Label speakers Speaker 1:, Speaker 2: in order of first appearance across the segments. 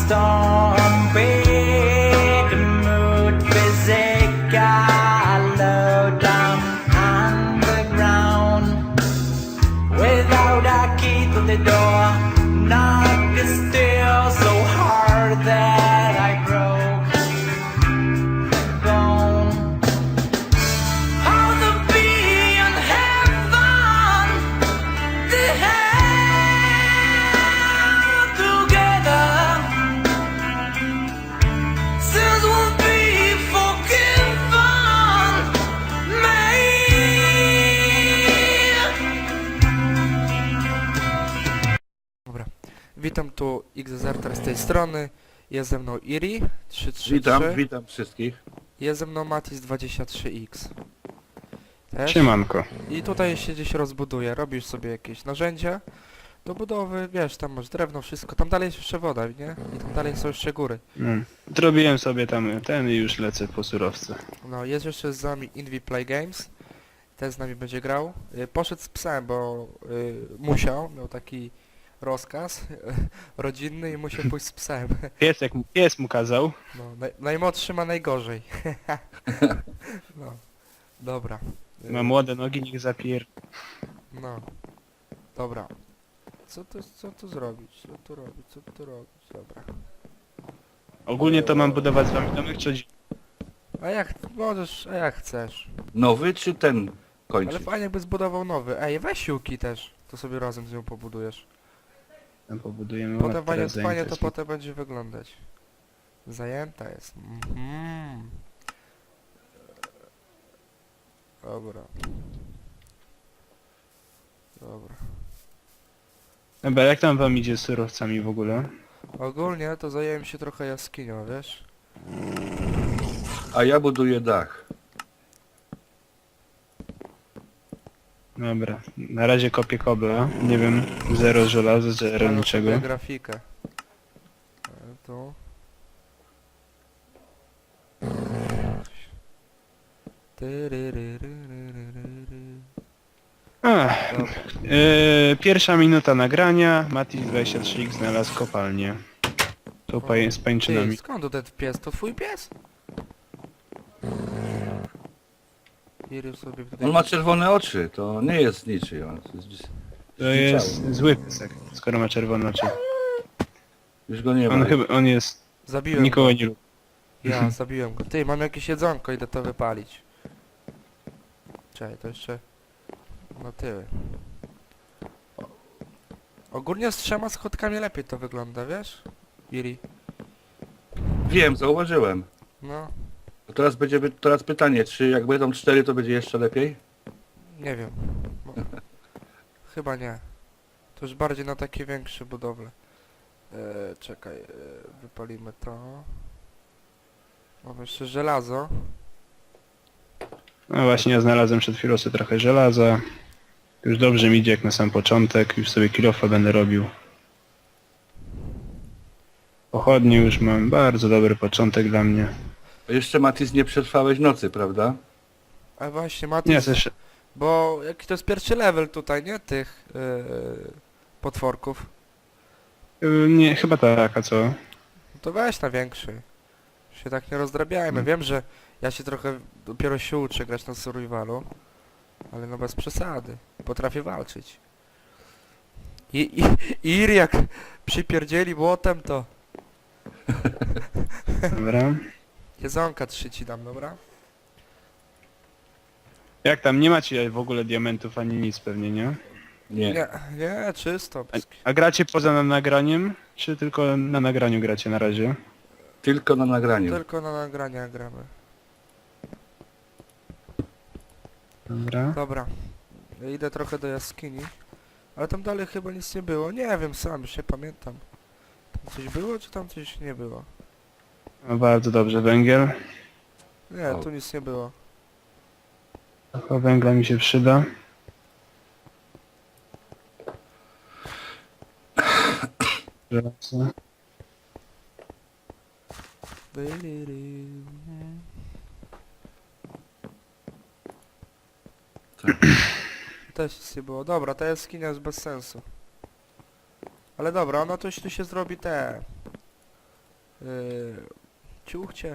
Speaker 1: storm, big mood, physical, low down underground. Without a key to the door, knock is still so hard that I broke the bone. How to be in heaven, the hell together, since we'll be forgiven, may.
Speaker 2: Dobra, witam tu XZR z tej strony, jest ze mną Iri 333,
Speaker 3: Witam wszystkich.
Speaker 2: jest ze mną Matis 23X. Też.
Speaker 4: Siemanko.
Speaker 2: I tutaj się gdzieś rozbuduje, robisz sobie jakieś narzędzia do budowy, wiesz, tam masz drewno, wszystko, tam dalej jest jeszcze woda, nie? I tam dalej są jeszcze góry.
Speaker 4: Zrobiłem sobie tam ten i już lecę po surowce.
Speaker 2: No, jest jeszcze z nami Invi Play Games, też z nami będzie grał. Poszedł z psem, bo musiał, miał taki rozkaz rodzinny i musiał pójść z psem.
Speaker 4: Pies mu kazał.
Speaker 2: No, najmłodszy ma najgorzej. No, dobra.
Speaker 4: Ma młode nogi, niech zapier...
Speaker 2: No, dobra. Co tu zrobić? Co tu robić? Co tu robić? Dobra.
Speaker 4: Ogólnie to mam budować z wami domek, czy...
Speaker 2: A jak możesz, a jak chcesz.
Speaker 3: Nowy czy ten
Speaker 2: Ale
Speaker 3: kończy?
Speaker 2: fajnie jakby zbudował nowy. Ej, weź siłki też. To sobie razem z nią pobudujesz.
Speaker 4: Tam pobudujemy
Speaker 2: Potem
Speaker 4: ładnie,
Speaker 2: fajnie,
Speaker 4: teraz
Speaker 2: fajnie
Speaker 4: zajęte
Speaker 2: to
Speaker 4: są.
Speaker 2: potem będzie wyglądać. Zajęta jest. Mhm. Dobra. Dobra.
Speaker 4: Dobra, jak tam wam idzie z surowcami w ogóle?
Speaker 2: Ogólnie to zająłem się trochę jaskinią, wiesz?
Speaker 3: A ja buduję dach.
Speaker 4: Dobra, na razie kopię kobla. Nie wiem, zero żelaza, zero
Speaker 2: Mam
Speaker 4: niczego.
Speaker 2: sobie grafikę. Tu. Tyryryryryryryry.
Speaker 4: Ach,
Speaker 2: Dobra.
Speaker 4: pierwsza minuta nagrania. Mati 23X znalazł kopalnię. Tu z
Speaker 2: Ty,
Speaker 4: pańczynami.
Speaker 2: skąd to ten pies? To twój pies? Iry sobie tutaj...
Speaker 3: On ma czerwone oczy, to nie jest niczyj. On jest
Speaker 4: To jest zły piesek, skoro ma czerwone oczy.
Speaker 3: Już go nie ma.
Speaker 4: On jest...
Speaker 2: Zabiłem
Speaker 4: Nikogo
Speaker 2: go.
Speaker 4: nie lubi.
Speaker 2: Ja zabiłem go. Ty, mam jakieś jedzonko, idę to wypalić. Czekaj, to jeszcze... No tyły. Ogólnie z 3 schodkami lepiej to wygląda, wiesz? Iri.
Speaker 3: Wiem, zauważyłem.
Speaker 2: No,
Speaker 3: To teraz pytanie, czy jak będą 4, to będzie jeszcze lepiej?
Speaker 2: nie wiem. Bo... Chyba nie. To już bardziej na takie większe budowle. Czekaj, wypalimy to. Mamy jeszcze żelazo.
Speaker 4: No właśnie, ja znalazłem przed chwilą sobie trochę żelaza. Już dobrze mi idzie jak na sam początek, już sobie kilofa będę robił. Pochodnie już mam, bardzo dobry początek dla mnie.
Speaker 3: A jeszcze Matis nie przetrwałeś nocy, prawda?
Speaker 2: A właśnie, Matis,
Speaker 4: Nie, też...
Speaker 2: bo jaki to jest pierwszy level tutaj, nie? Tych potworków.
Speaker 4: Nie, chyba tak, a co?
Speaker 2: No to weź na większy. Się tak nie rozdrabiajmy. Wiem, że ja się trochę dopiero się uczę grać na survivalu. Ale no bez przesady. Potrafię walczyć. I Iri jak przypierdzieli błotem to...
Speaker 4: Dobra.
Speaker 2: Jedzonka 3 ci dam, dobra?
Speaker 4: Jak tam, nie macie w ogóle diamentów ani nic pewnie, nie?
Speaker 3: Nie.
Speaker 2: Nie, czysto.
Speaker 4: A gracie poza nagraniem, czy tylko na nagraniu gracie na razie?
Speaker 3: Tylko na nagraniu.
Speaker 2: Tylko na nagrania gramy.
Speaker 4: Dobra.
Speaker 2: Dobra. Ja idę trochę do jaskini. Ale tam dalej chyba nic nie było. Nie wiem, sam już nie pamiętam. Tam coś było, czy tam coś nie było?
Speaker 4: No bardzo dobrze, węgiel.
Speaker 2: Nie,
Speaker 3: O.
Speaker 2: tu nic nie było.
Speaker 4: Trochę węgla mi się przyda. Żelazo.
Speaker 3: Tak.
Speaker 2: Też nic nie było. Dobra, ta jaskinia jest bez sensu. Ale dobra, ona tu się zrobi te... Ciuchcie.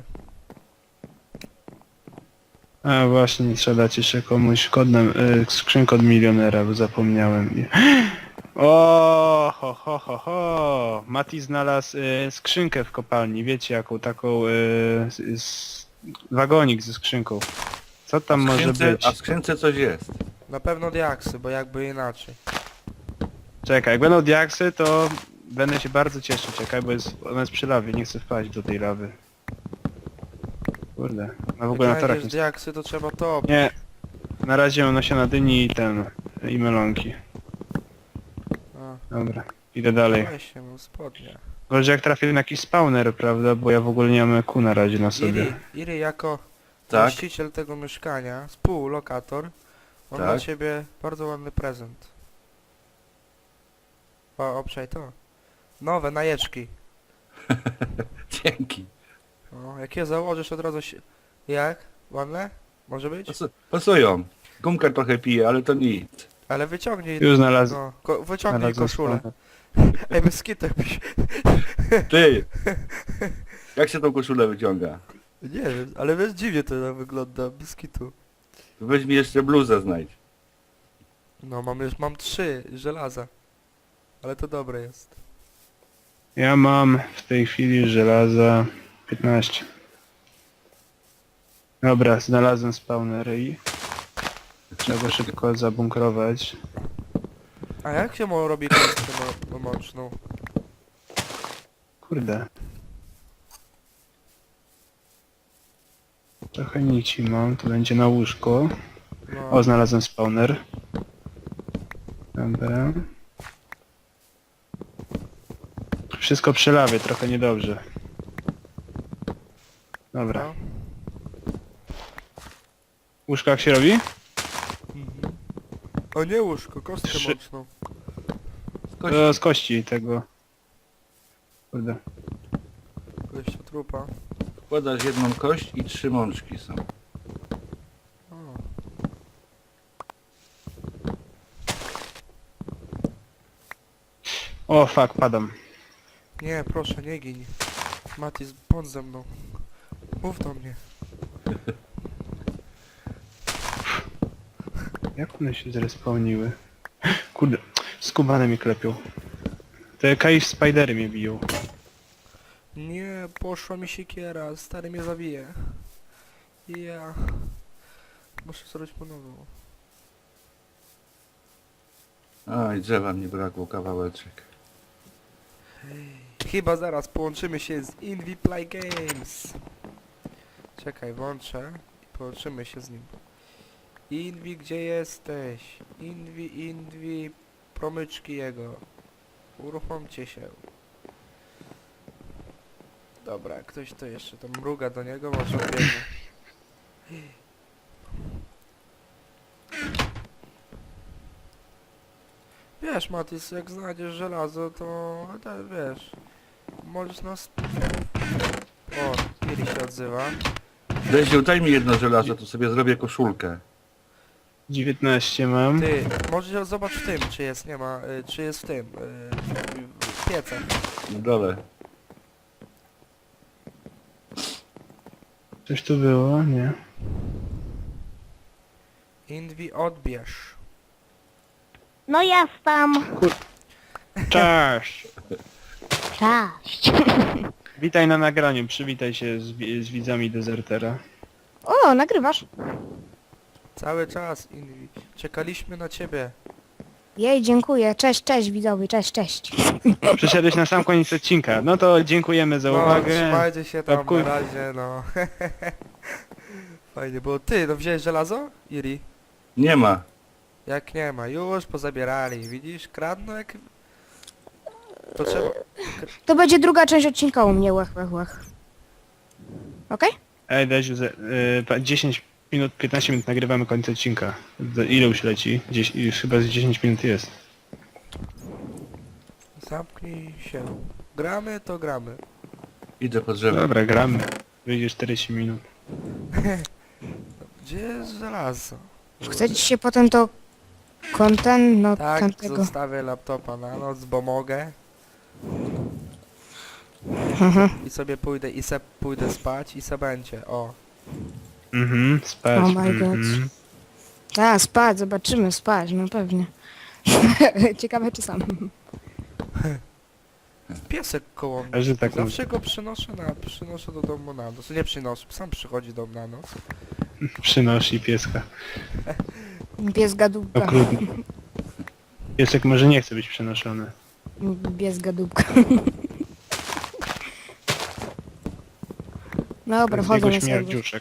Speaker 4: A właśnie, trzeba dać jeszcze komuś kod na, skrzynkę od milionera, bo zapomniałem. O, ho, ho, ho, ho. Mati znalazł skrzynkę w kopalni, wiecie jaką, taką wagonik ze skrzynką. Co tam może być?
Speaker 3: A w skrzynce coś jest.
Speaker 2: Na pewno diaksy, bo jakby inaczej.
Speaker 4: Czekaj, jak będą diaksy, to będę się bardzo cieszył, czekaj, bo ona jest przy lawie, nie chcę wpaść do tej lawy. Kurde, no w ogóle na
Speaker 2: Jak
Speaker 4: torach
Speaker 2: znajdziesz
Speaker 4: nie...
Speaker 2: diaksy, to trzeba to...
Speaker 4: Nie, na razie mam nasiona dyni i melonki.
Speaker 2: A,
Speaker 4: Dobra, idę dalej.
Speaker 2: weź się, mam spodnie.
Speaker 4: Może jak trafię na jakiś spawner, prawda, bo ja w ogóle nie mam EQ na razie na sobie.
Speaker 2: Iri jako
Speaker 3: Tak?
Speaker 2: właściciel tego mieszkania, współlokator, on ma
Speaker 3: Tak.
Speaker 2: dla ciebie bardzo ładny prezent. O, obczaj to. Nowe najeczki.
Speaker 3: Dzięki.
Speaker 2: O, jak je założysz od razu się... Jak? Ładne? Może być?
Speaker 3: Pasują. Gumka trochę pije, ale to nic.
Speaker 2: Ale wyciągnij...
Speaker 4: Już znalazłem.
Speaker 2: No, wyciągnij
Speaker 4: Znalazłem
Speaker 2: koszulę.
Speaker 4: spawner.
Speaker 2: Ej, bez kitu jakbyś...
Speaker 3: Ty! Jak się tą koszulę wyciąga?
Speaker 2: Nie wiem, ale wiesz, dziwnie to wygląda, bez kitu.
Speaker 3: To weź mi jeszcze bluzę znajdź.
Speaker 2: No, mam 3 żelaza. Ale to dobre jest.
Speaker 4: Ja mam w tej chwili żelaza 15. Dobra, znalazłem spawner i trzeba go szybko zabunkrować.
Speaker 2: A jak się robi kostkę mączną?
Speaker 4: Kurde. Trochę nici mam, to będzie na łóżko.
Speaker 2: No,
Speaker 4: O, znalazłem spawner. Dobra. Wszystko przy lawie, trochę niedobrze. Dobra.
Speaker 2: no.
Speaker 4: Łóżko jak się robi?
Speaker 2: Mhm. O nie łóżko, kostkę
Speaker 4: 3.
Speaker 2: mączną.
Speaker 4: To z kości tego. Kurde.
Speaker 2: Kościa trupa.
Speaker 3: Wkładasz jedną kość i 3 mączki są.
Speaker 2: O.
Speaker 4: O, fuck, padam.
Speaker 2: Nie, proszę, nie gin. Matis, bądź ze mną. Mów do mnie.
Speaker 4: Jak one się zrespawniły? Kurde, skubane mi klepią. Te cave spidery mnie biją.
Speaker 2: Nie, poszła mi siekiera, stary mnie zabije. Ja... Muszę zrobić po nową.
Speaker 3: Oj, drzewa mi brakło, kawałeczek.
Speaker 2: Chyba zaraz połączymy się z Invi Play Games. Czekaj, włączę i połączymy się z nim. Invi, gdzie jesteś? Invi, promyczki jego. Uruchomcie się. Dobra, ktoś to jeszcze tam mruga do niego, może odbiegnie. Wiesz, Matis, jak znajdziesz żelazo, to wiesz, możesz nas... O, Iri się odzywa.
Speaker 3: Desiu, daj mi jedno żelazo, to sobie zrobię koszulkę.
Speaker 4: 19 mam.
Speaker 2: Ty, może zobacz w tym, czy jest, nie ma, czy jest w tym, w piecach.
Speaker 3: Na dole.
Speaker 4: Coś tu było? Nie.
Speaker 2: Invi, odbierz.
Speaker 5: No jestem.
Speaker 4: Cześć!
Speaker 5: Cześć.
Speaker 4: Witaj na nagraniu, przywitaj się z widzami dezertera.
Speaker 5: O, nagrywasz?
Speaker 2: Cały czas, Invi. Czekaliśmy na ciebie.
Speaker 5: Jej, dziękuję. Cześć, cześć widzowie, cześć, cześć.
Speaker 4: Przyszedłeś na sam koniec odcinka. No to dziękujemy za
Speaker 2: No,
Speaker 4: uwagę.
Speaker 2: trzymajcie się tam
Speaker 4: Łapkuj.
Speaker 2: na razie, no. Fajnie było. Ty, no wziąłeś żelazo? Iri?
Speaker 3: Nie ma.
Speaker 2: Jak nie ma, już pozabierali, widzisz? Kradną jak... To trzeba...
Speaker 5: To będzie druga część odcinka u mnie, łech, łech, łech. Okej?
Speaker 4: Ej, Deziu, 10 minut, 15 minut nagrywamy koniec odcinka. Ile już leci? Już chyba z 10 minut jest.
Speaker 2: Zamknij się. Gramy, to gramy.
Speaker 3: Idę po drzewo.
Speaker 4: Dobra, gramy. Wyjdzie 40 minut.
Speaker 2: Gdzie jest żelazo?
Speaker 5: Chcecie się potem to content, no
Speaker 2: Tak,
Speaker 5: tamtego.
Speaker 2: zostawię laptopa na noc, bo mogę. i sobie pójdę pójdę spać i se będzie, o.
Speaker 4: Spać.
Speaker 5: Oh my god. A, spać, zobaczymy, spać, no pewnie. Ciekawe czy sam.
Speaker 2: Piesek koło mnie.
Speaker 4: A że tak
Speaker 2: Zawsze go przynoszę do domu na noc. Nie przynoszę, sam przychodzi do mnie na noc.
Speaker 4: Przynosi pieska.
Speaker 5: Pies gadubka.
Speaker 4: Okrutny. Piesek może nie chce być przenoszony.
Speaker 5: Pies gadubka. No dobra,
Speaker 4: Z
Speaker 5: wchodzę
Speaker 4: niego
Speaker 5: na serwer.
Speaker 4: śmierdziuszek.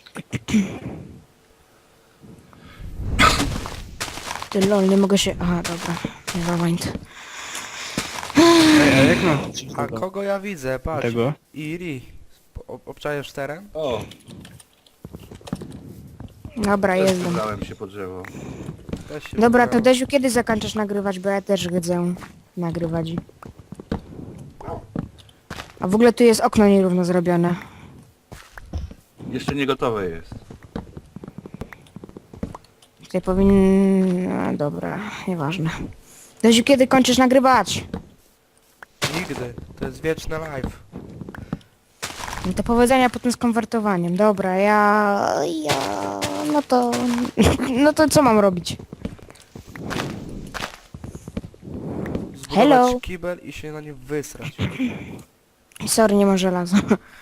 Speaker 5: Ty lol, nie mogę się... Aha, dobra. Nevermind.
Speaker 4: Ej, a jak mam wrócić
Speaker 2: A
Speaker 4: do
Speaker 2: kogo ja widzę? Patrz.
Speaker 4: tego?
Speaker 2: Iri. Obczajesz teren?
Speaker 3: O,
Speaker 5: Dobra,
Speaker 3: też
Speaker 5: jestem.
Speaker 3: wybrałem się po drzewo.
Speaker 2: Też się
Speaker 5: Dobra, to
Speaker 2: wybrałem.
Speaker 5: Desiu, kiedy zakończysz nagrywać, bo ja też chcę nagrywać. A w ogóle tu jest okno nierówno zrobione.
Speaker 3: Jeszcze nie gotowe jest.
Speaker 5: Tutaj powinien... No, dobra, nieważne. Desiu, kiedy kończysz nagrywać?
Speaker 2: Nigdy. To jest wieczny live.
Speaker 5: No to powodzenia potem z konwertowaniem. Dobra, ja... No to... No to co mam robić?
Speaker 2: Zbudować
Speaker 5: Hello.
Speaker 2: kibel i się na nim wysrać.
Speaker 5: Sorry, nie ma żelaza.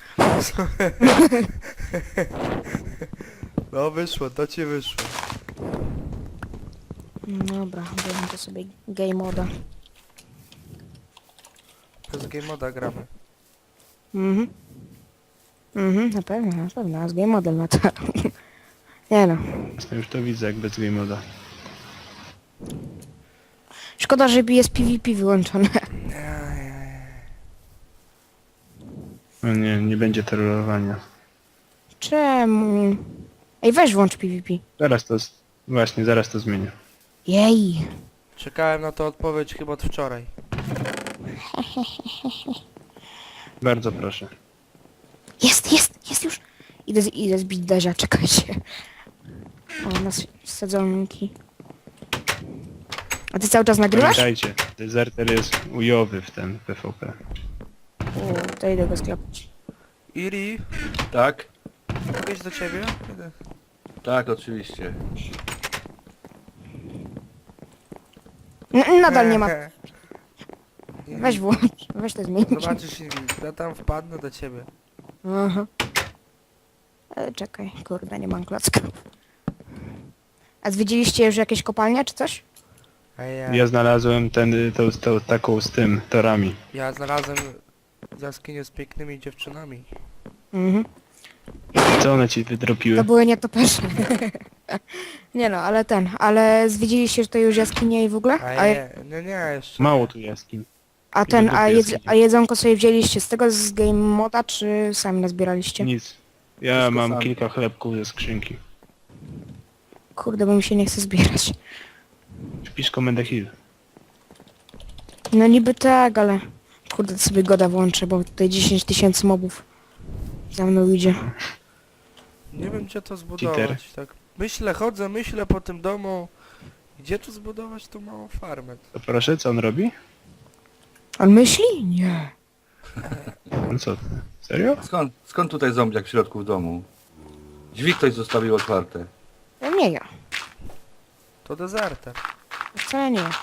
Speaker 2: No wyszło, to ci wyszło.
Speaker 5: Dobra, biorę to sobie game moda.
Speaker 2: Bez game moda gramy.
Speaker 5: Na pewno, a z game model na to. Nie no.
Speaker 4: Ja już to widzę jak bez game moda.
Speaker 5: Szkoda, że jest PvP wyłączone.
Speaker 4: No nie, nie będzie terrorowania.
Speaker 5: Czemu? Ej, weź włącz PvP.
Speaker 4: Zaraz to... Właśnie, zaraz to zmienię.
Speaker 5: Jej.
Speaker 2: Czekałem na to odpowiedź chyba od wczoraj.
Speaker 4: Bardzo proszę.
Speaker 5: Jest już. Idę zbić Dezia, czekajcie. O, nas sadzonki. A ty cały czas nagrywasz?
Speaker 4: Pamiętajcie, dezerter jest ujowy w ten PvP.
Speaker 5: O, to idę go sklepać.
Speaker 2: Iri,
Speaker 3: Tak?
Speaker 2: mogę iść do ciebie? Idę.
Speaker 3: Tak, oczywiście.
Speaker 5: Nadal nie ma. Weź włącz. Weź to zmień.
Speaker 2: Zobaczysz, Iri, ja tam wpadnę do ciebie.
Speaker 5: Aha. Ale czekaj, kurde, nie mam klocków. A zwiedziliście już jakieś kopalnie czy coś?
Speaker 2: A
Speaker 4: Ja znalazłem tą taką z tym, torami.
Speaker 2: ja znalazłem jaskinię z pięknymi dziewczynami.
Speaker 5: Mhm.
Speaker 4: Co one ci
Speaker 5: To
Speaker 4: wydropiły?
Speaker 5: były nietoperze. Nie no, ale zwiedziliście tutaj już jaskinie i w ogóle?
Speaker 2: A nie, jeszcze.
Speaker 4: Mało tu jaskiń.
Speaker 5: A jedzonko sobie wzięliście z tego z game moda, czy sami nazbieraliście?
Speaker 4: Nic. Ja
Speaker 3: Wszystko
Speaker 4: mam
Speaker 3: sami.
Speaker 4: kilka chlebków ze skrzynki.
Speaker 5: Kurde, bo mi się nie chce zbierać.
Speaker 4: Wpisz komendę heal.
Speaker 5: No niby tak, ale... Kurde, to sobie goda włączę, bo tutaj 10 000 mobów za mną idzie.
Speaker 2: Nie wiem gdzie to zbudować, tak. Myślę po tym domu. Gdzie tu zbudować tą małą farmę?
Speaker 4: To proszę, co on robi?
Speaker 5: On myśli? Nie.
Speaker 4: No co ty? Serio?
Speaker 3: Skąd tutaj zombiak w środku w domu? Drzwi ktoś zostawił otwarte.
Speaker 5: No nie ja.
Speaker 2: To dezerter.
Speaker 5: Wcale nie ja.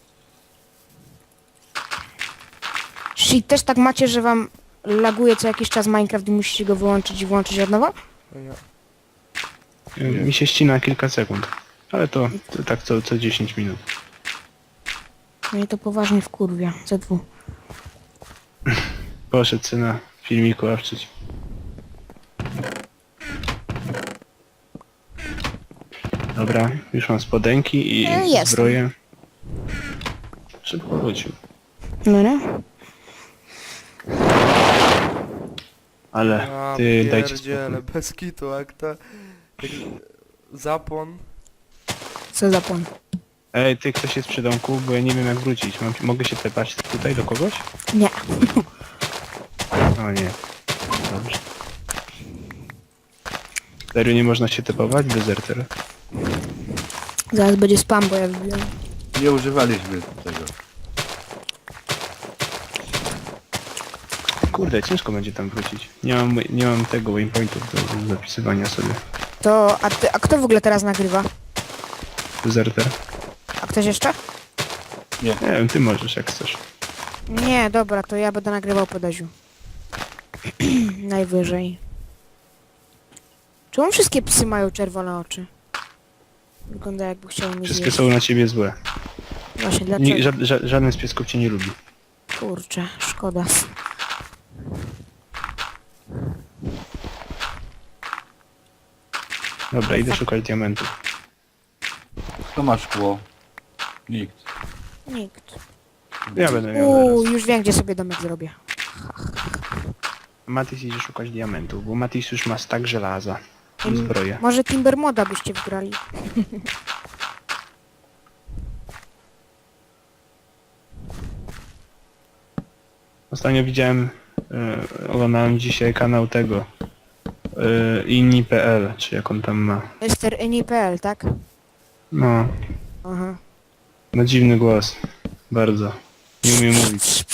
Speaker 5: Czyli też tak macie, że wam laguje co jakiś czas Minecraft i musicie go wyłączyć i włączyć od nowa?
Speaker 2: No ja.
Speaker 4: Mi się ścina kilka sekund. Ale to tak co 10 minut.
Speaker 5: No i to poważnie wkurwia. Z2.
Speaker 4: Poszedł syna filmiku awczyć. Dobra, już mam spodenki i
Speaker 5: Jestem.
Speaker 4: zbroję. Szybko wrócił.
Speaker 5: No nie?
Speaker 4: Ale
Speaker 2: Ja
Speaker 4: ty dajcie
Speaker 2: pierdzielę,
Speaker 4: spokój.
Speaker 2: bez kitu, jak to... jak zapłon.
Speaker 5: Co za pon?
Speaker 4: Ej, ty ktoś jest przy domku, bo ja nie wiem jak wrócić. Mogę się tepać tutaj do kogoś?
Speaker 5: Nie.
Speaker 4: O nie. Dobrze. Serio nie można się tepować? Dezerter.
Speaker 5: Zaraz będzie spam, bo ja wybijam.
Speaker 3: Nie używaliśmy tego.
Speaker 4: Kurde, ciężko będzie tam wrócić. Nie mam tego waypointów do zapisywania sobie.
Speaker 5: To, a kto w ogóle teraz nagrywa?
Speaker 4: Zerter.
Speaker 5: A ktoś jeszcze?
Speaker 4: Nie wiem, ty możesz jak chcesz.
Speaker 5: Nie, dobra, to ja będę nagrywał po Daziu. Najwyżej. Czemu wszystkie psy mają czerwone oczy? Wygląda jakby chciały mnie
Speaker 4: Wszystkie
Speaker 5: zjeść.
Speaker 4: są na ciebie złe.
Speaker 5: Właśnie, dlaczego?
Speaker 4: Żaden z piesków cię nie lubi.
Speaker 5: Kurczę, szkoda.
Speaker 4: Dobra, idę szukać diamentów.
Speaker 3: Kto ma szkło? Nikt.
Speaker 5: Nikt.
Speaker 4: Ja będę miał zaraz.
Speaker 5: Już wiem, gdzie sobie domek zrobię.
Speaker 4: Matis idzie szukać diamentów, bo Matis już ma stack żelaza i zbroję.
Speaker 5: Może Timber Moda byście wygrali.
Speaker 4: Ostatnio widziałem, oglądałem dzisiaj kanał tego inni.pl, czy jak on tam ma.
Speaker 5: Mr. Eni.pl, tak?
Speaker 4: No,
Speaker 5: Aha.
Speaker 4: no dziwny głos. Bardzo. Nie umiem mówić.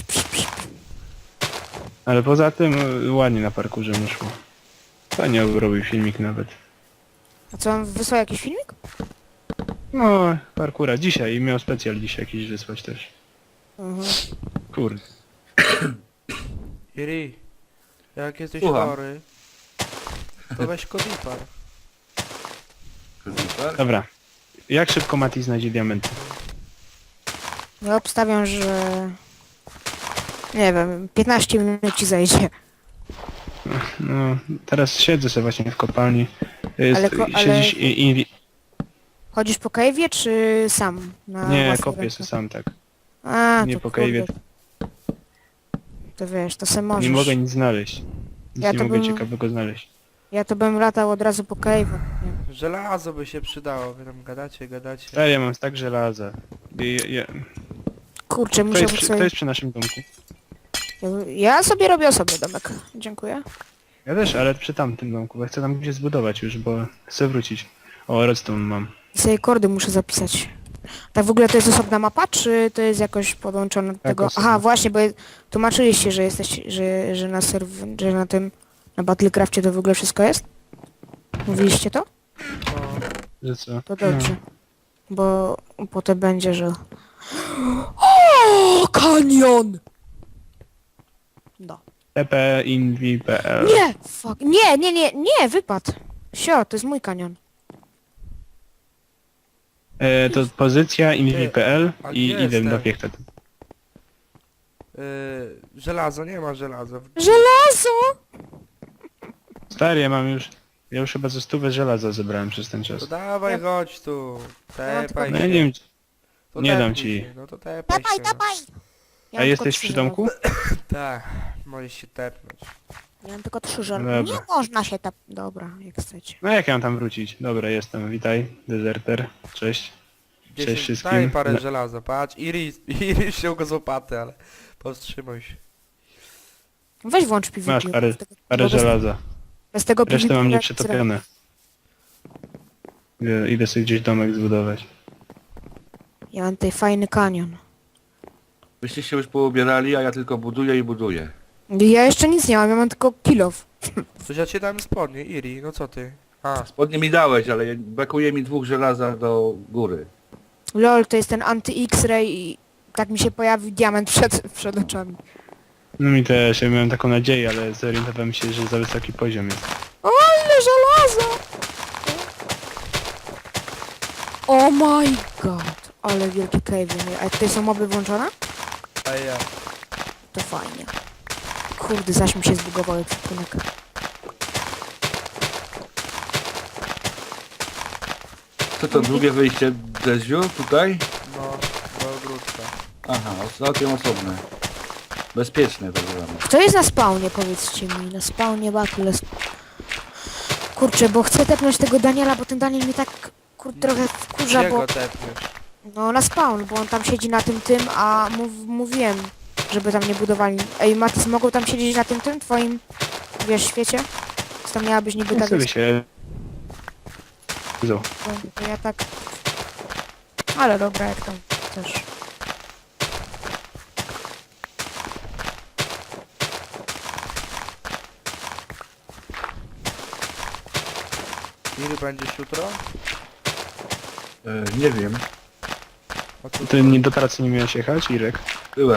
Speaker 4: Ale poza tym ładnie na parkurze mu szło. Fajnie robił filmik nawet.
Speaker 5: A co, on wysłał jakiś filmik?
Speaker 4: No, parkura dzisiaj i miał specjal dzisiaj jakiś wysłać też.
Speaker 5: Mhm.
Speaker 4: Kurde.
Speaker 2: Iri, jak jesteś
Speaker 3: Słucham.
Speaker 2: chory, to weź kodipar.
Speaker 3: Super.
Speaker 4: Dobra. Jak szybko Matis znajdzie diamenty?
Speaker 5: Ja obstawiam, że... Nie wiem, 15 minut ci zajdzie.
Speaker 4: No, teraz siedzę sobie właśnie w kopalni.
Speaker 5: Ale
Speaker 4: Siedzisz i
Speaker 5: Chodzisz po cave'ie, czy sam? Na
Speaker 4: nie,
Speaker 5: własną
Speaker 4: kopię
Speaker 5: rękę?
Speaker 4: sobie sam tak.
Speaker 5: A,
Speaker 4: Nie
Speaker 5: to
Speaker 4: po
Speaker 5: kurde.
Speaker 4: cave'ie.
Speaker 5: To wiesz, to se możesz.
Speaker 4: Nie mogę nic znaleźć. Nic
Speaker 5: Ja
Speaker 4: nie
Speaker 5: to
Speaker 4: mogę
Speaker 5: bym-
Speaker 4: ciekawego znaleźć.
Speaker 5: Ja to bym latał od razu po cave'u. Nie.
Speaker 2: Żelazo by się przydało, wy tam gadacie.
Speaker 4: Ale ja mam stack żelaza.
Speaker 5: Kurczę,
Speaker 4: To
Speaker 5: musiałbym
Speaker 4: jest
Speaker 5: sobie...
Speaker 4: przy naszym domku.
Speaker 5: Ja sobie robię osobny domek. Dziękuję.
Speaker 4: Ja też, ale przy tamtym domku, bo chcę tam gdzieś zbudować już, bo chcę wrócić. O, redstone mam.
Speaker 5: I sobie kordy muszę zapisać. Tak w ogóle to jest osobna mapa, czy to jest jakoś podłączone do tego?
Speaker 4: osobna.
Speaker 5: Aha, właśnie, bo tłumaczyliście, że jesteś, że na że na tym, na Battlecrafcie to w ogóle wszystko jest? Mówiliście to?
Speaker 2: No,
Speaker 4: Że co?
Speaker 5: To dobrze. Bo potem będzie, że... O, kanion! No.
Speaker 4: tp.inv.pl.
Speaker 5: Nie! Fuck. Nie, wypadł. Sio, to jest mój kanion.
Speaker 4: To pozycja inv.pl
Speaker 2: A
Speaker 4: i
Speaker 2: gdzie
Speaker 4: idę
Speaker 2: jestem?
Speaker 4: do piechta.
Speaker 2: żelazo, nie ma żelaza.
Speaker 5: Żelazo!
Speaker 4: Stary, ja już chyba ze 100 żelaza zebrałem przez ten czas.
Speaker 2: To dawaj, chodź tu.
Speaker 5: mam
Speaker 2: Tepaj
Speaker 4: No
Speaker 2: się.
Speaker 4: ja nie wiem,
Speaker 2: To
Speaker 4: nie dam
Speaker 2: tepnij
Speaker 4: ci.
Speaker 2: się, No to tepaj
Speaker 5: Dawaj,
Speaker 2: się.
Speaker 5: dawaj! Ja
Speaker 4: a
Speaker 5: mam
Speaker 4: jesteś
Speaker 5: tylko
Speaker 4: przy
Speaker 5: 3
Speaker 4: domku?
Speaker 2: Tak, możesz się tepnąć.
Speaker 5: Ja mam tylko 3 żelaza.
Speaker 4: Dobra.
Speaker 5: Nie można się tak... Dobra, jak chcecie.
Speaker 4: No jak ja mam tam wrócić? Dobra, jestem, witaj, dezerter, cześć.
Speaker 2: 10,
Speaker 4: wszystkim.
Speaker 2: daj parę
Speaker 4: No.
Speaker 2: żelaza, patrz. Iri się go z łopaty, ale powstrzymaj się.
Speaker 5: Weź włącz PvP.
Speaker 4: Masz parę
Speaker 5: bo bez-
Speaker 4: żelaza.
Speaker 5: Bez tego
Speaker 4: Resztę
Speaker 5: PvP
Speaker 4: mam
Speaker 5: nie
Speaker 4: nieprzetopione. Idę sobie gdzieś domek zbudować.
Speaker 5: Ja mam tutaj fajny kanion.
Speaker 3: Wyście się już poubierali, a ja tylko buduję i buduję.
Speaker 5: Ja jeszcze nic nie mam, ja mam tylko kilof.
Speaker 2: Coś ja ci dałem spodnie, Iri, no co ty? A,
Speaker 3: Spodnie mi dałeś, ale brakuje mi 2 żelaza do góry.
Speaker 5: Lol, to jest ten anty-X-ray i tak mi się pojawił diament przed oczami.
Speaker 4: No mi też, ja miałem taką nadzieję, ale zorientowałem się, że za wysoki poziom jest.
Speaker 5: O, ale żelazo! Oh my god! Ale wielki cave. A tutaj są moby włączone?
Speaker 2: a ja.
Speaker 5: To fajnie. Kurde, zaś mi się zbugował ekwipunek.
Speaker 3: Co to drugie wyjście Deziu tutaj?
Speaker 2: No, do ogródka.
Speaker 3: Aha, całkiem osobne. Bezpieczne tak zwane.
Speaker 5: Kto jest na spawnie, powiedzcie mi? Na spawnie Battle. Kurczę, bo chcę tepnąć tego Daniela, bo ten Daniel mnie tak trochę wkurza,
Speaker 2: Gdzie
Speaker 5: bo...
Speaker 2: go tepniesz?
Speaker 5: No na spawn, bo on tam siedzi na tym, a mówiłem, żeby tam nie budowali. Ej, Matis, mogą tam siedzieć na tym twoim, wiesz, świecie? Co tam miałabyś niby
Speaker 4: Nie
Speaker 5: tak...
Speaker 4: sobie się...
Speaker 5: To ja tak... Ale dobra, jak tam też.
Speaker 2: Ile będziesz jutro?
Speaker 3: Nie wiem.
Speaker 2: A co
Speaker 4: Ty nie do pracy nie miałeś jechać, Irek?
Speaker 3: Byłem.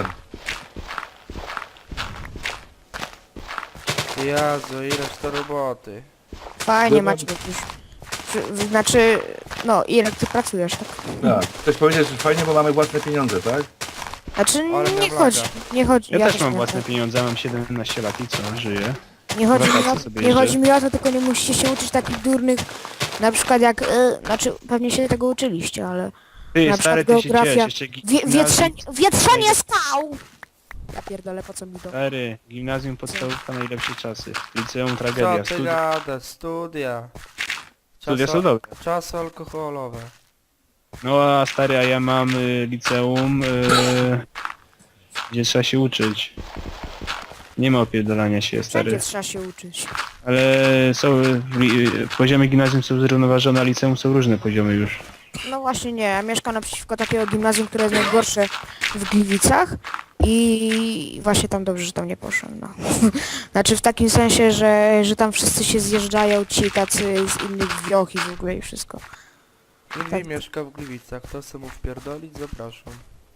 Speaker 2: Jezu, ileż to roboty.
Speaker 5: Fajnie
Speaker 3: Byłem-
Speaker 5: macie jakieś... Znaczy... No, Irek, ty pracujesz, tak?
Speaker 3: Tak. Chcesz powiedzieć, że fajnie, bo mamy własne pieniądze, tak?
Speaker 5: Znaczy,
Speaker 2: Ale
Speaker 5: nie
Speaker 2: miałem
Speaker 5: chodzi,
Speaker 2: laga.
Speaker 5: nie chodzi...
Speaker 4: Ja też
Speaker 5: też
Speaker 4: mam
Speaker 5: miałem
Speaker 4: własne
Speaker 5: tak.
Speaker 4: pieniądze, mam 17 lat i co, żyję.
Speaker 5: Nie chodzi, mi
Speaker 4: wakacje
Speaker 5: o,
Speaker 4: sobie
Speaker 5: nie
Speaker 4: jeżdżę.
Speaker 5: chodzi mi o to, tylko nie musicie się uczyć takich durnych... Na przykład jak... znaczy, pewnie się tego uczyliście, ale...
Speaker 4: Ty,
Speaker 5: Na
Speaker 4: stary,
Speaker 5: przykład
Speaker 4: ty się
Speaker 5: geografia-
Speaker 4: ciesz, jeszcze
Speaker 5: Wietrzenie skał! Ja pierdolę, po co mi to?
Speaker 4: Stary, gimnazjum podstawówka najlepsze czasy. Liceum
Speaker 2: Co
Speaker 4: tragedia.
Speaker 2: ty gadasz? Studia.
Speaker 4: Studia są dobre.
Speaker 2: Czasy alkoholowe.
Speaker 4: No a stary, a ja mam liceum, gdzie trzeba się uczyć. Nie ma opierdolania się,
Speaker 5: Wszędzie
Speaker 4: stary.
Speaker 5: trzeba się uczyć.
Speaker 4: Ale są, poziomy gimnazjum są zrównoważone, a liceum są różne poziomy już.
Speaker 5: No właśnie nie, ja mieszkam naprzeciwko takiego gimnazjum, które jest najgorsze w Gliwicach i właśnie tam dobrze, że tam nie poszłem, no. Znaczy w takim sensie, że tam wszyscy się zjeżdżają, ci tacy z innych wioch i w ogóle i wszystko.
Speaker 2: Inwi
Speaker 5: Tak.
Speaker 2: mieszka w Gliwicach. Kto chce mu wpierdolić? Zapraszam.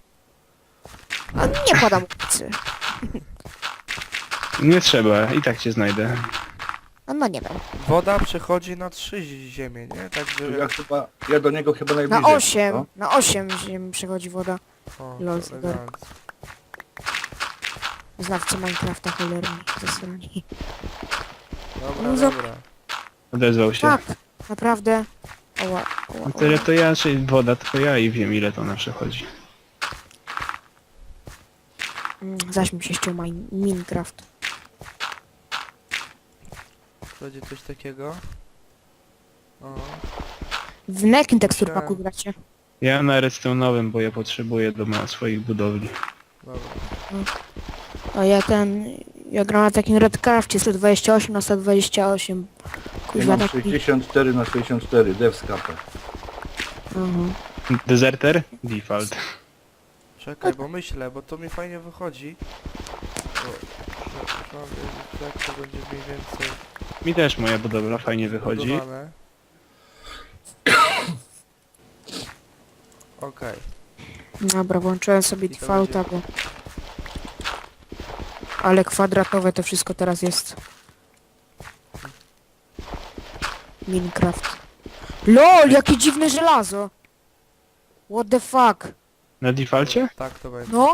Speaker 5: A nie podam ulicy.
Speaker 4: Nie trzeba, i tak cię znajdę.
Speaker 5: No nie wiem.
Speaker 2: Woda przechodzi na 3 ziemię, nie? Także...
Speaker 3: Ja do niego chyba
Speaker 5: Na
Speaker 3: najbliżej.
Speaker 5: 8,
Speaker 3: no.
Speaker 5: na 8 ziem przechodzi woda.
Speaker 2: O,
Speaker 5: Lol,
Speaker 2: to elegancko.
Speaker 5: Znawcy Minecrafta cholerni, zasrani.
Speaker 2: Dobra,
Speaker 5: No za-
Speaker 2: dobra.
Speaker 4: Odezwał się.
Speaker 5: Tak, naprawdę. Oła, oła,
Speaker 4: No tyle
Speaker 5: oła.
Speaker 4: to ja, czy woda, to ja i wiem ile to na przechodzi.
Speaker 5: Zaś mi się ściął Minecraft.
Speaker 2: Będzie coś takiego? O,
Speaker 5: W jakim teksturpaku
Speaker 2: Myślałem.
Speaker 5: gracie?
Speaker 4: Ja na redstone'owym, bo ja potrzebuję do swoich budowli.
Speaker 2: dobra.
Speaker 5: A ja gram na takim Redcrafcie 128 na 128.
Speaker 3: Ja
Speaker 5: Kuźwa
Speaker 3: mam
Speaker 5: taki...
Speaker 3: 64 na 64, devscape.
Speaker 5: Mhm.
Speaker 4: Deserter? Default.
Speaker 2: Czekaj, bo myślę, bo to mi fajnie wychodzi. Bo, mam wiedzieć, jak to będzie mniej więcej
Speaker 4: Mi też moja budowla fajnie wychodzi.
Speaker 2: zbudowane. Okej.
Speaker 5: Dobra, włączyłem sobie
Speaker 2: I to
Speaker 5: defaulta, bo... Ale kwadratowe to wszystko teraz jest. Minecraft. LOL, jakie dziwne żelazo! What the fuck?
Speaker 4: Na defaulcie?
Speaker 2: Tak to będzie.
Speaker 5: No?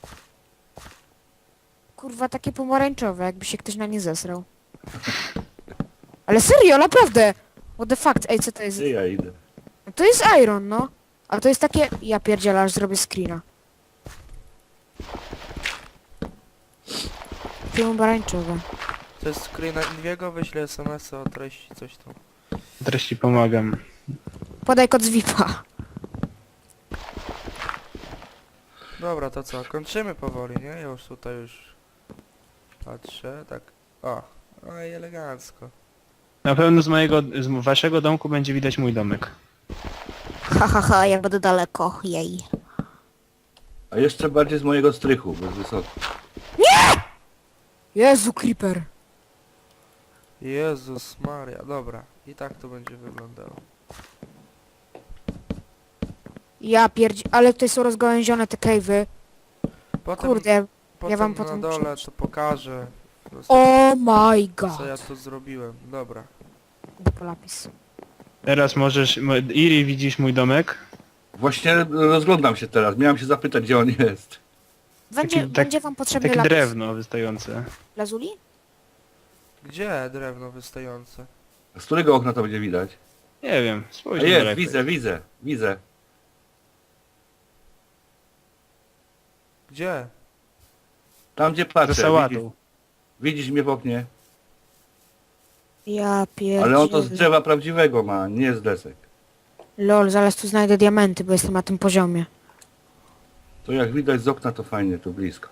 Speaker 5: Kurwa, takie pomarańczowe, jakby się ktoś na nie zesrał. Ale serio, naprawdę! What the fuck? Ej, co to jest?
Speaker 3: Gdzie ja idę?
Speaker 5: To jest iron, no. A to jest takie... Ja pierdzielę, aż zrobię screena. Takie pomarańczowe.
Speaker 2: To jest screena Inwiego, wyślę SMS-a o treści, coś tam.
Speaker 4: Teraz ci pomagam.
Speaker 5: Podaj kod z VIP-a.
Speaker 2: Dobra, to co? Kończymy powoli, nie? Ja już tutaj patrzę, tak. O, no i elegancko.
Speaker 4: Na pewno z waszego domku będzie widać mój domek.
Speaker 5: Ha, ha, ha, ja będę daleko, jej.
Speaker 3: A jeszcze bardziej z mojego strychu, bez wysoko.
Speaker 5: Jezu, creeper.
Speaker 2: Jezus Maria, dobra. I tak to będzie wyglądało.
Speaker 5: Ja pierdzi... Ale tutaj są rozgałęzione te cave'y.
Speaker 2: Potem,
Speaker 5: Kurde.
Speaker 2: potem
Speaker 5: wam
Speaker 2: na
Speaker 5: potem
Speaker 2: dole
Speaker 5: przeczytam.
Speaker 2: to pokażę. Po prostu,
Speaker 5: Oh my
Speaker 2: co ja
Speaker 5: god.
Speaker 2: tu zrobiłem. Dobra.
Speaker 5: Lapis.
Speaker 4: Teraz możesz... Iri, widzisz mój domek?
Speaker 3: Właśnie rozglądam się teraz, miałem się zapytać, gdzie on jest.
Speaker 5: Będzie wam potrzebny
Speaker 4: Takie
Speaker 5: lapis.
Speaker 4: drewno wystające.
Speaker 5: Lazuli?
Speaker 2: Gdzie drewno wystające?
Speaker 3: Z którego okna to będzie widać?
Speaker 4: Nie wiem,
Speaker 3: A
Speaker 4: spójrz
Speaker 3: jest,
Speaker 4: daleko.
Speaker 3: widzę.
Speaker 2: Gdzie?
Speaker 3: Tam gdzie
Speaker 4: Za
Speaker 3: patrzę,
Speaker 4: sałatą.
Speaker 3: widzisz mnie w oknie.
Speaker 5: Ja pierdzielę.
Speaker 3: Ale on to z drzewa prawdziwego ma, nie z desek.
Speaker 5: Lol, zaraz tu znajdę diamenty, bo jestem na tym poziomie.
Speaker 3: To jak widać z okna to fajnie, tu blisko.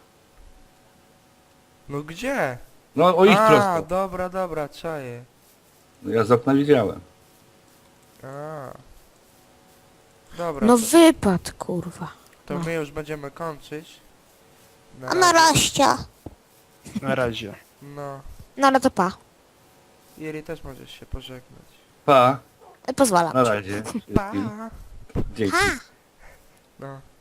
Speaker 2: No gdzie?
Speaker 3: No o ich
Speaker 2: A,
Speaker 3: prosto.
Speaker 2: dobra, czaję.
Speaker 3: No, ja z okna widziałem.
Speaker 2: A. Dobra,
Speaker 5: No
Speaker 2: to,
Speaker 5: wypad, kurwa.
Speaker 2: to
Speaker 5: no.
Speaker 2: my już będziemy kończyć.
Speaker 5: A na razie.
Speaker 4: Na razie.
Speaker 2: No.
Speaker 5: No ale to pa.
Speaker 2: Jeri też możesz się pożegnać.
Speaker 3: Pa,
Speaker 5: Pozwalam
Speaker 3: na
Speaker 5: ci.
Speaker 3: razie.
Speaker 2: Pa.
Speaker 3: Dzięki.
Speaker 2: No.